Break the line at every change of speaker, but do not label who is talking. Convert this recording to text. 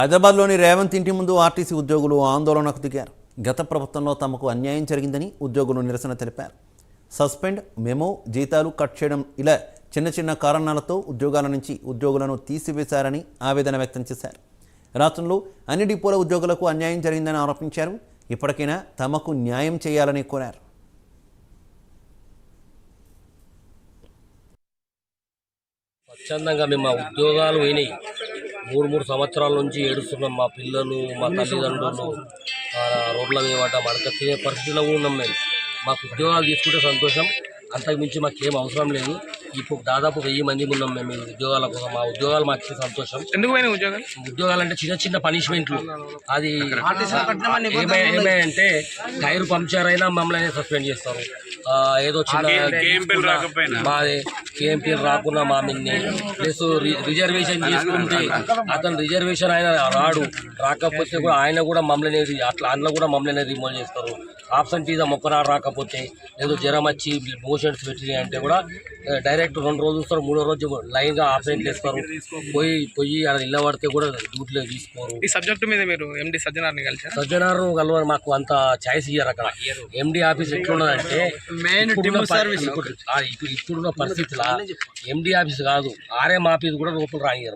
హైదరాబాద్లోని రేవంత్ ఇంటి ముందు ఆర్టీసీ ఉద్యోగులు ఆందోళనకు దిగారు. గత ప్రభుత్వంలో తమకు అన్యాయం జరిగిందని ఉద్యోగులు నిరసన తెలిపారు. సస్పెండ్, మెమో, జీతాలు కట్ చేయడం ఇలా చిన్న చిన్న కారణాలతో ఉద్యోగాల నుంచి ఉద్యోగులను తీసివేశారని ఆవేదన వ్యక్తం చేశారు. రాష్ట్రంలో అన్ని డిపోల ఉద్యోగులకు అన్యాయం జరిగిందని ఆరోపించారు. ఇప్పటికైనా తమకు న్యాయం చేయాలని కోరారు.
స్వచ్ఛందంగా మేము మా ఉద్యోగాలు పోయినాయి. 3 సంవత్సరాల నుంచి ఏడుస్తున్నాం. మా పిల్లలు, మా తల్లిదండ్రులు రోడ్ల మీద మడక తినే పరిస్థితిలో ఉన్నాం. మాకు ఉద్యోగాలు తీసుకుంటే సంతోషం, అంతకుమించి మాకేం అవసరం లేదు. ఇప్పుడు దాదాపు 1000 మంది ఉన్నాం మేము ఉద్యోగాల కోసం. మా ఉద్యోగాలు మాకు ఇచ్చే సంతోషం.
ఎందుకు
ఉద్యోగాలు అంటే చిన్న చిన్న పనిష్మెంట్లు. అది ఏమైందంటే టైర్ పంక్చర్ అయినా మమ్మల్ని సస్పెండ్ చేస్తారు. ఏదో చిన్న మాది కేఎంపీ రాకుండా మా మిన్ని ప్లస్ రిజర్వేషన్ చేసుకుంటే అతను రిజర్వేషన్ ఆయన రాకపోతే కూడా ఆయన కూడా మమ్మల్ని అట్లా అందులో కూడా మమ్మల్ని రిమూవ్ చేస్తారు. ఆబ్సెంటీజం ఒక్కనాడు రాకపోతే ఏదో జ్వరం వచ్చి మోషన్స్ పెట్టినాయి అంటే కూడా డైరెక్ట్ 2 రోజులు చూస్తారు, 3వ రోజు లైన్గా ఆబ్సెంట్ చేస్తారు. పోయి అక్కడ నిలబడితే కూడా డ్యూటీలో తీసుకోరు.
ఈ సబ్జెక్టు మీద మీరు ఎండి సజ్జనార్ని కలిసారు?
సజ్జనారు కలవరు, మాకు అంత ఛాయిస్ ఇయ్యారు. అక్కడ ఎండి ఆఫీస్ ఎట్లున్నదంటే ఇప్పుడున్న పరిస్థితిలో ఎండి ఆఫీస్ కాదు, ఆర్ఎం ఆఫీస్ కూడా లోపల రానియరు.